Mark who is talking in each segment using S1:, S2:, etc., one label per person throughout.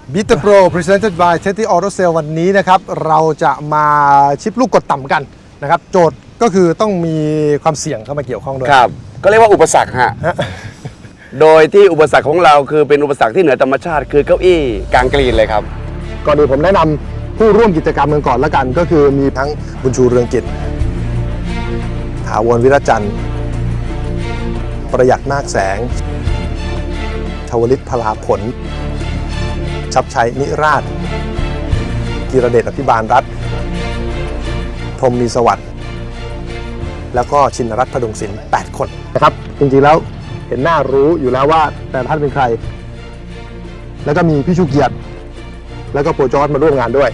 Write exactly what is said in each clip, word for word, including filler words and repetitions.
S1: Beat the Pro Presented by Teddy Auto Sale วันนี้นะครับเราจะมาชิปลูกกดต่ำกันนะครับโจทย์ก็คือต้องมีความเสี่ยงเข้ามาเกี่ยวข้องด้วย
S2: ครับก็เรียกว่าอุปสรรคฮะ โดยที่อุปสรรคของเราคือเป็นอุปสรรคที่เหนือธรรมชาติคือเก้าอี้กลางกรีนเลยครับ
S1: ก่อนอื่นผมแนะนำผู้ร่วมกิจกรรมกันก่อนละกันก็คือมีทั้งบุญชูเรืองกิจถาวรวิรจันทร์ประหยัดนาคแสงชวลิตพลาผลชับชัยนิราชกีรเดชอภิบาลรัฐพรหมมีสวัสดิ์แล้วก็ชินรัตน์พดุงศิลป์แปดคนนะครับจริงๆแล้วเห็นหน้ารู้อยู่แล้วว่าแต่ท่านเป็นใครแล้วก็มีพี่ชูเกียรติแล้วก็โปรจอร์จมาร่วมงานด้วย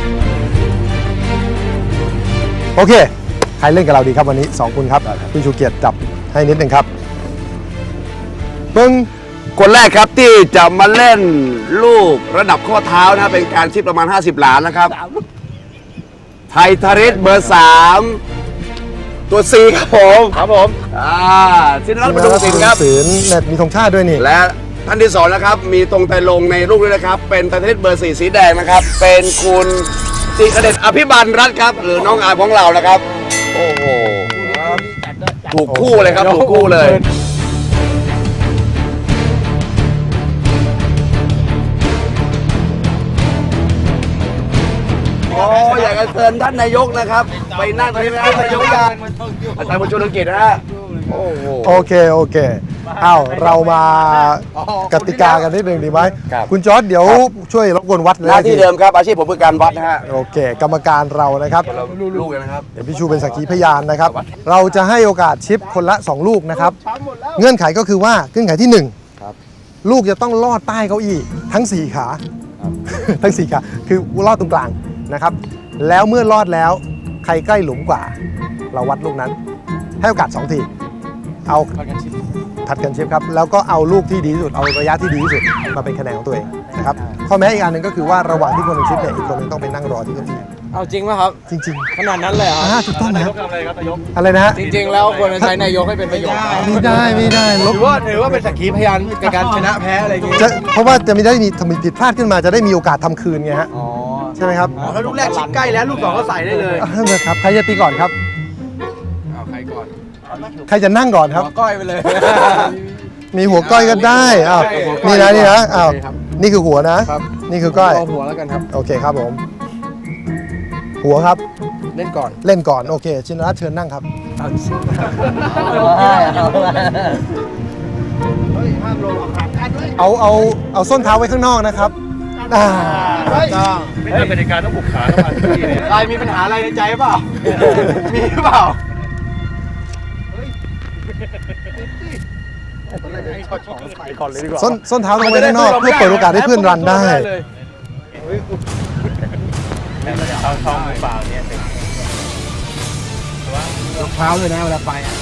S1: โอเคใครเล่นกับเราดีครับวันนี้สองคนครับพี่ชูเกียรติจับให้นิดนึงครับปึ้ง
S2: คนแรกครับที่จะมาเล่นลูกระดับข้อเท้านะเป็นการชิปประมาณห้าสิบหลานะครับไทยทาริสเบอร์สามตัวซีครับผม
S3: ครับผม
S2: อ่าชินรัตน์พดุงศิลป์ครับ
S1: ศิลป์เน็ตมีธงชาติด้วยนี่
S2: และท่านที่สองนะครับมีตรงไตรลงในลูกด้วยนะครับเป็นไทยทาริสเบอร์สี่สีแดงนะครับเป็นคุณจิรเดชอภิบาลรัฐครับหรือน้องอาของเรานะครับโอ้โหถูกคู่เลยครับถูกคู่เลยโอ้อยากจะเชิญท่านนายกนะครับไปนั่งตรงนี้นะครับนายกยานอาจารย์บุญชูเรืองกิจนะฮะโอ้โห
S1: โอเคโอเคอ้าวเรามากติกากันนิดหนึ่งดีไหมคุณจอร์จเดี๋ยวช่วยรบกวนวัด
S2: หน้าที่เดิมครับอาชีพผมคือการวัดนะฮะ
S1: โอเคกรรมการเรานะครับ
S2: ลูกกันนะครับ
S1: เดี๋ยวพี่ชูเป็นสักขีพยานนะครับเราจะให้โอกาสชิปคนละสองลูกนะครับเงื่อนไขก็คือว่าเงื่อนไขที่หนึ่งลูกจะต้องลอดใต้เก้าอี้ทั้งสี่ขาทั้งสี่ขาคือลอดตรงกลางนะครับแล้วเมื่อลอดแล้วใครใกล้หลุมกว่าเราวัดลูกนั้นให้โอกาสสองทีเอาถัดกันชิปครับแล้วก็เอาลูกที่ดีที่สุดเอาระยะที่ดีที่สุดมาเป็นคะแนนของตัวเองนะครับข้อแม้อีกอันหนึ่งก็คือว่าระหว่างที่คนหนึ่งชิปเนี่ยอีกคนนึงต้องไปนั่งรอที่เก้าอี้
S3: เอาจริงป่ะครับ
S1: จริง
S3: ๆขนาดนั้นเลยเหรอ
S1: อ่าถูกต้องนะครับอะไรนะฮะ
S3: จริงๆแล้วควรจะใช้นายกให้เป็นประโยชน์
S1: ไม่ได้ไม่ได้
S3: ถือว่าถือว่าเป็นสักขีพยานในการชนะแพ้อะไรอย่างงี้
S1: เพราะว่าจะไม่ได้มีทำผิดพลาดขึ้นมาจะได้มีโอกาสทำคืนไงฮะใช่ไหมครับ
S3: ถ้าลูกแรกชิดใกล้แล้วลูกสองก็ใส่ได้เลย
S1: ครับใครจะตีก่อนครับ
S3: เอาใครก่อน
S1: ใครจะนั่งก่อนครับ
S3: หัวก้อยไปเลย
S1: มีหัวก้อยก็ได้อ้าวนี่นะนี่นะอ้าวนี่คือหัวนะนี่คือก้อย
S3: เอาหัวแล้วกันครับ
S1: โอเคครับผมหัวครับ
S3: เล่นก่อน
S1: เล่นก่อนโอเคชินรัตน์เชิญนั่งครับเอาเอาเอาส้นเท้าไว้ข้างนอกนะครับ
S3: ไม่เป็นกติกาต้องบุกขาเข้ามาที่นี่ใครมีปัญหาอะไรในใจเปล่ามีหรือเปล่า
S1: ส้นส้นเท้าต้องไว้ข้างนอกเพื่อเปิดโอกาสให้เพื่อนรันได้
S3: เอาท้องมือเปล่าเนี่ยรองเท้าเลยนะเวลาไปอ่ะ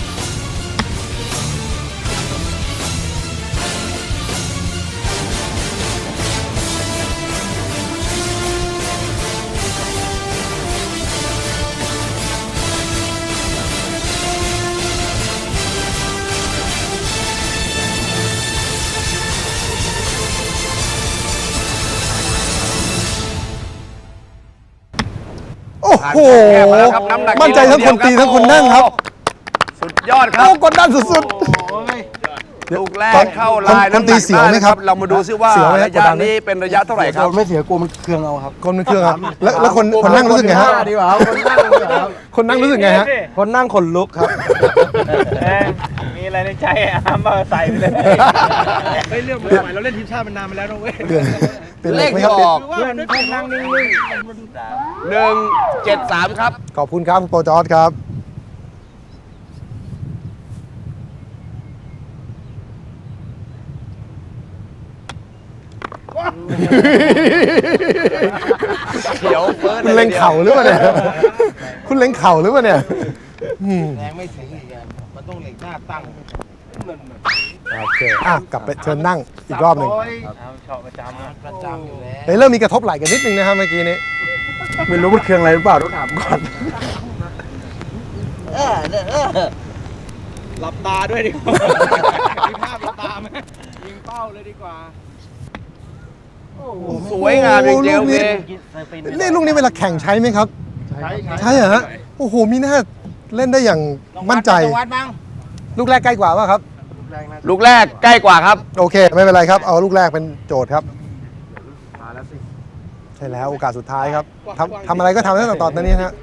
S1: โอ้โหมั่นใจทั้งคนตีทั้งคนนั่งครับ
S2: สุดยอดครับ
S1: กดดันสุด
S2: ๆลูกแรกเข้าลาย
S1: น้ำตีเสียวไหมครับ
S2: เรามาดูซิว่าระยะนี้เป็นระยะเท่าไหร่ครับ
S3: ไม่เสียกลัวมันเครื่องเอาครับ
S1: คนมันเครื่องครับแล้วแล้วคนคนนั่งรู้สึกไงฮะ
S3: ดีกว่าคนนั่ง
S1: คนนั่งรู้สึกไงฮะ
S3: คนนั่งขนลุกครับมีอะไรในใจอ่ะมาใส่ไปเลยเฮ้ยเรื่องใหม่เราเล่นทีมชาติมันนานมาแล้วนะเว้ย
S1: เป็นเลข
S2: ไม่
S1: ครับ
S3: เพื่อนเพื่อนนั่งนิ่งๆหนึ่ง
S2: เจ็ดสามครับ
S1: ขอบคุณครับโปรจอร์จครับ
S2: เขียวเฟิร์ส
S1: คุณเล็งเข่าหรือเปล่าเนี่ยคุณเล็งเข่าหรือเปล่าเนี่ย
S3: แรงไม่ถึงอีกมันต้องเล็งหน้าตั้ง
S1: โอเคอ่ะกลับไปเชิญนั่งอีกรอบหนึ่ง
S3: ชอบประจำประจำอยู่แล้ว
S1: เฮ้ยเริ่มมีกระทบไหล่กันนิดนึงนะครับเมื่อกี้นี้
S3: ไม่รู้มันเครื่องอะไรหรือเปล่าต้องถามก่อนหลับตาด้วยดีกว่ามีภาพหลับตาไหมยิงเป้าเลยดีกว่า
S2: สวยงามจริงๆ
S1: ลูกนี้
S2: โอเค
S1: นี่ลูกนี้เวลาแข่งใช้ไหมครับ ใช่เหรอฮะโอ้โหมีหน้าเล่นได้อย่างมั่นใจ
S3: วัดบ้าง
S1: ลูกแรกใกล้กว่าป่ะครับ
S2: ลูกแรกใกล้กว่าครับ
S1: โอเค ไม่เป็นไรครับ เอาลูกแรกเป็นโจทย์ครับใช่แล้วโอกาสสุดท้ายครับทำทำอะไรก็ทำตั้งแต่ตอนนี้นะฮะ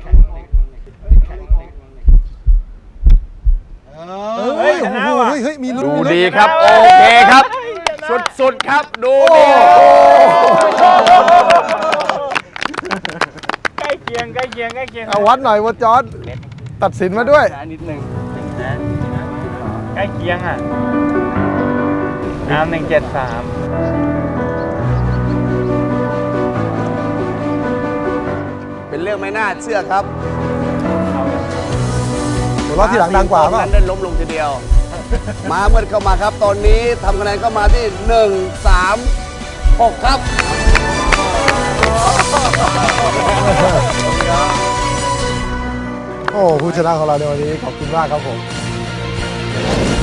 S1: เฮ้ยโอ้โหเฮ้ยเฮ้ยมีลุ้น
S2: ดู
S1: มีลุ้น
S2: ดีครับ โอเคครับ สุดๆครับ ดูดี
S3: ใกล้เคียงใกล้เคียงใกล้เคียง
S1: เอาวัดหน่อยวอจอร์ดตัดสินมาด้วย
S3: นิดหนึ่งใกล้เคียงอ่ะน้ำหนึ่งเจ็ดสาม
S2: เป็นเรื่องไม่น่าเชื่อครับ
S1: หัวเราะที่หลังดังกว่าป่ะ
S2: นั้นได้ล้มลงทีเดียว มาเมื่อเข้ามาครับ ตอนนี้ทำคะแนนเข้ามาที่หนึ่ง สาม หกครับ
S1: โอ้ผู้ชนะของเราในวันนี้ขอบคุณมากครับผม